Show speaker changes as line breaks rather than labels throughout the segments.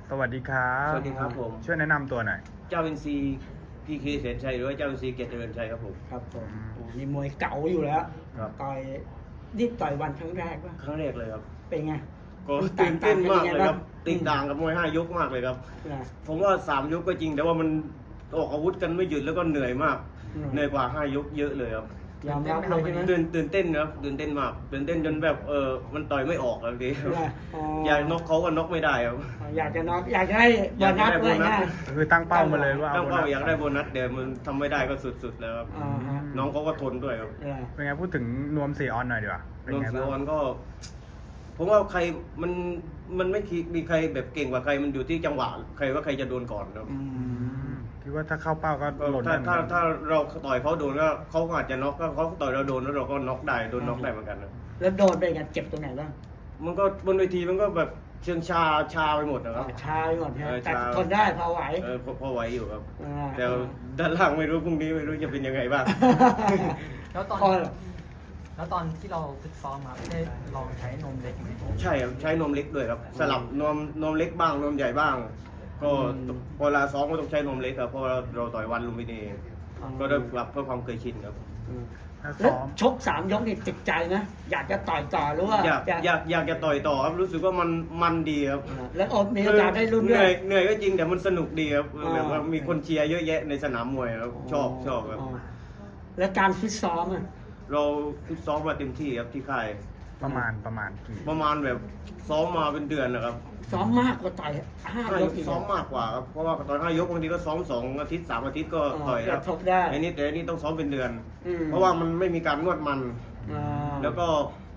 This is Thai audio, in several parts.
สวัสดีครับ
สวัสดีครับผม
ช่วยแนะนำตัวหน่อย
เจ้าอินซีพีเคแสนชัยหรือว่าเจ้าอินซีเกียรติเจริญชัยครับผม
ครับผมโอ้นี่มวยเก่าอยู่แล้ว
ครับ
ต่อยนี่ต่อยวันครั้งแรกป่ะ
ครั้งแรกเลยครับ
เป็นไง
ก็ตื่นเต้นมากเลยครับ
ต่างๆเป็นยังไงบ้าง
ติดต่างกับมวย5 ยกมากเลยครับ
นะ
ผมว่า3 ยกก็จริง แต่ว่ามันออกอาวุธกันไม่หยุดแล้วก็เหนื่อยมาก เหนื่อยกว่า5 ยกเยอะเลยครับ
ยอมรับเลยใช่ไหม
ตื่นเต้นครับตื่นเต้นมากตื่นเต้นจนแบบมันต่อยไม่ออกบางที
นะอ๋อ
อยากน็อกเขาก็น็อกไม่ได้ครับ
อยากจะน็อกอยากจะให้โบนัสเลยนะ
คือตั้งเป้ามาเลยว่า
ตั้ง
โบ
เป้า
นัส
อยากได้โบนัสเดี๋ยวมันทำไม่ได้ก็สุดๆแล้วครับ
อ่าฮะ
น้องเขาก็ทนด้วยครับ
เออ
เป็นไงพูดถึงนวม4 ออนหน่อยดีกว่าเป็น
รวม
ไง
เสือ
บ้าง
ออนก็ผมว่าใครมันไม่มีใครแบบเก่งกว่าใครมันอยู่ที่จังหวะใครว่าใครจะโดนก่อนครับ
อืม
คิดว่าถ้าเข้าเป้าก็หล่น
ถ้า
ได้เหมือนกัน
ถ้าเราต่อยเขาโดนก็เขาอาจจะน็อกก็เขาต่อยเราโดนแล้วเราก็น็อกได้โดนน็อกได้เหมือนกันนะ
แล้วโดนเป็นไงเจ็บตรงไหนบ้าง
มันก็บนเวทีมันก็แบบเชิงชาไปหมดนะครับ
ชาไปหมดใช่ไหม
เออ
แต่
ชา
ทนได้พอไหว
พอไหวอยู่ครับ
อ่า
แต่ด้านล่างไม่รู้พรุ่งนี้ไม่รู้จะเป็นยังไงบ้าง
แล้วตอน
พอ
แล้วตตอนที่เราฝึกซ้อมมาได้ลองใช้นมเล็กไหม
ใช่ครับใช้นมเล็กด้วยครับ สลับนมเล็กบ้างนมใหญ่บ้าง ก็พอเวลาซ้อมก็ต้องใช้นมเล็กครับเพราะเราต่อยวันลุมพินีก็ได้ปรับเพื่อความเคยชินครับ
ถ้า
แล้ว
ซ้อม
ชก3 ยกนี่ติดใจนะอยากจะต่อยต่อหรือว่า
อยากจะต่อยต่อครับรู้สึกว่ามันดีครับ
แล้วมีโอกาสได้รุ่น
เห
ด้
นื่
ว
อย
ย
เหนื่อยก็จริงแต่มันสนุกดีครับ
อ่า
แบบว่ามีคนเชียร์เยอะแยะในสนามมวยครับชอบครับ
แล้วการฟิตซ้อมอ่ะ
เราฟิตซ้อมมาเต็มที่ครับที่ค่าย
ประมาณกี่
ประมาณแบบซ้อมมาเป็นเดือนนะครับ
ซ้อมมากกว่าต่อย5 ยกอีก
ซ้อมมากกว่าครับเพราะว่าตอน5 ยกบางทีก็ซ้อม2 อาทิตย์ 3 อาทิตย์ก็ต่อยครับ
ทบได้
อันนี้แต่อันนี้ต้องซ้อมเป็นเดือน
อืม
เพราะว่ามันไม่มีการนวดมัน
อ่า
แล้วก็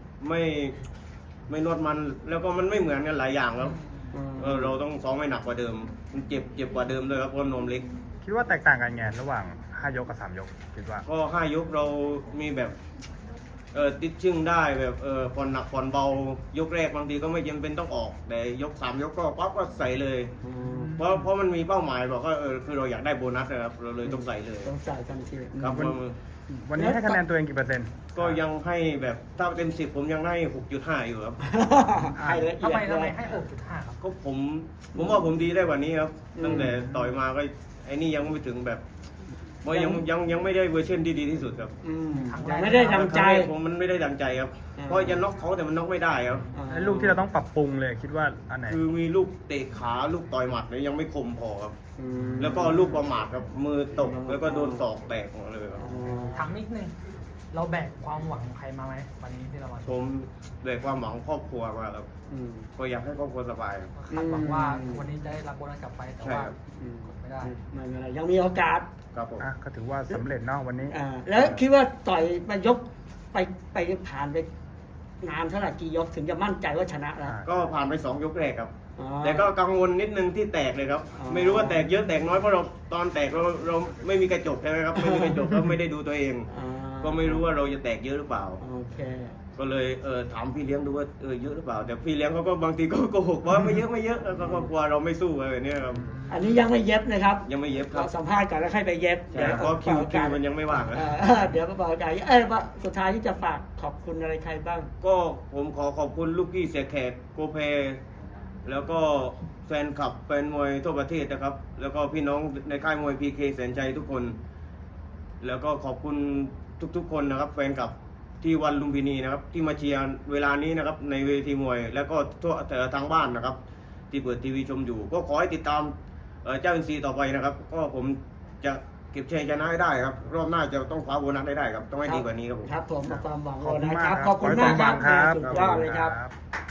ไม่นวดมันแล้วก็มันไม่เหมือนกันหลายอย่างแล้วเราต้องซ้อมให้หนักกว่าเดิมมันเจ็บกว่าเดิมด้วยครับเพราะนมเล็ก
คิดว่าแตกต่างกันไงระหว่าง5 ยกกับ3 ยกคิดว่า
ก็5 ยกเรามีแบบติดชึ่งได้แบบผ่อนหนักผ่อนเบายกแรกบางทีก็ไม่จำเป็นต้องออก แต่ยก3 ยกก็ปั๊บก็ใส่เลย
อืม
เพราะมันมีเป้าหมายบอกว่าคือเราอยากได้โบนัสนะครับเราเลยต้องใส่เลย
ต้องใส่ทันที
ครับ
วันนี้ให้คะแนนตัวเองกี่เปอร์เซ็นต์
ก็ยังให้แบบถ้าเต็ม10ผมยังให้ 6.5 อยู่ครับ
ให้ละเอี
ทำ
ย
ไม
ด
ทำไม
เลย
ให้6.5ครับ
ก็ผมว่าผมดีได้กว่านี้ครับตั้งแต่ต่อยมาก็ไอ้นี่ยังไม่ถึงแบบว่ายังไม่ได้เวอร์ชันที่ดีที่สุดครับ
อืมยังไม่ได้ดังใจ
ผมมันไม่ได้ดังใจครับ
อืม
เพราะจะน็อกเขาแต่มันน็อกไม่ได้ครับ
ไอ้ลูกที่เราต้องปรับปรุงเลยคิดว่าอันไหน
คือมีลูกเตะขาลูกต่อยหมัดเนี่ยยังไม่คมพอครับ
อืม
แล้วก็ลูกประมาทครับมือตกแล้วก็โดนศอกแตกหมดเลยครับ
อ๋อ
ถามนิดนึง เราแบกความหวังของใครมาไหมวันนี้ที่เรามา
ผมด้วยความหวังครอบครัวมาครับ
อืม
ก็อยากให้ครอบครัวสบายครับ
คาดหวังว่าวันนี้จะได้รับโบนัสกลับไปแต่
ใช่
ว่า
ครับ
อืม
กดไม่ได้
ไม่เป็นไรยังมีโอกาส
ครับผม
อ่ะก็ถือว่าสำเร็จเนาะวันนี้
แล้วคิดว่าต่อยมายกไปผ่านไปนานเท่าไหร่กี่ยกถึงจะมั่นใจว่าชนะแล้ว
ก็ผ่านไป2 ยกแรกครับ
อ๋อ
แต่ก็กังวลนิดนึงที่แตกเลยครับ
อ๋อ
ไม่รู้ว่าแตกเยอะแตกน้อยเพราะเราตอนแตกเราไม่มีกระจกใช่ไหมครับไม่มีกระจกก็ไม่ได้ดูตัวเอง
อ่า
ก็ไม่รู้ว่าเราจะแตกเยอะหรือเปล่า
โอเค
ก็เลยถามพี่เลี้ยงดูว่าเยอะหรือเปล่า แต่พี่เลี้ยงเขาก็บางทีก็โกหกว่าไม่เยอะแล้วก็กลัวเราไม่สู้อะไรแบบนี้ครับ
อันนี้ยังไม่เย็บนะครับ
ยังไม่เย็บครั
เรา
บ
สัมภาษณ์ก่อนแล้วค่อยไปเย็บ
ใช่เพราะคิวมันยังไม่ว่างนะ
เดี๋ยวมาบอกกันว่าสุดท้ายที่จะฝากขอบคุณอะไรใครบ้าง
ก็ผมขอขอบคุณลูกพี่เสียแขกโกเพแล้วก็แฟนคลับแฟนมวยทั่วประเทศนะครับ แล้วก็พี่น้องในค่ายมวยพีเคแสนใจทุกคน แล้วก็ขอบคุณทุกๆคนนะครับแฟนคลับที่วันลุมพินีนะครับที่มาเชียร์เวลานี้นะครับในเวทีมวย แล้วก็ทั่วแต่ทางบ้านนะครับ ที่เปิดทีวีชมอยู่ ก็ขอให้ติดตามเจ้าอินซีต่อไปนะครับ ก็ผมจะเก็บชัยชนะให้ได้ครับ รอบหน้าจะต้องคว้าโบนัสได้ครับ ต้องให้ดีกว่านี้ครับผม
ครับผมมาความหวัง
ขอบคุณ
นะ
มาก
ครับ
ครับ
ขอบคุณมากครับ
ขอให้สมหวังครับ
สุดยอดเลยครับ
ขอบคุณครับ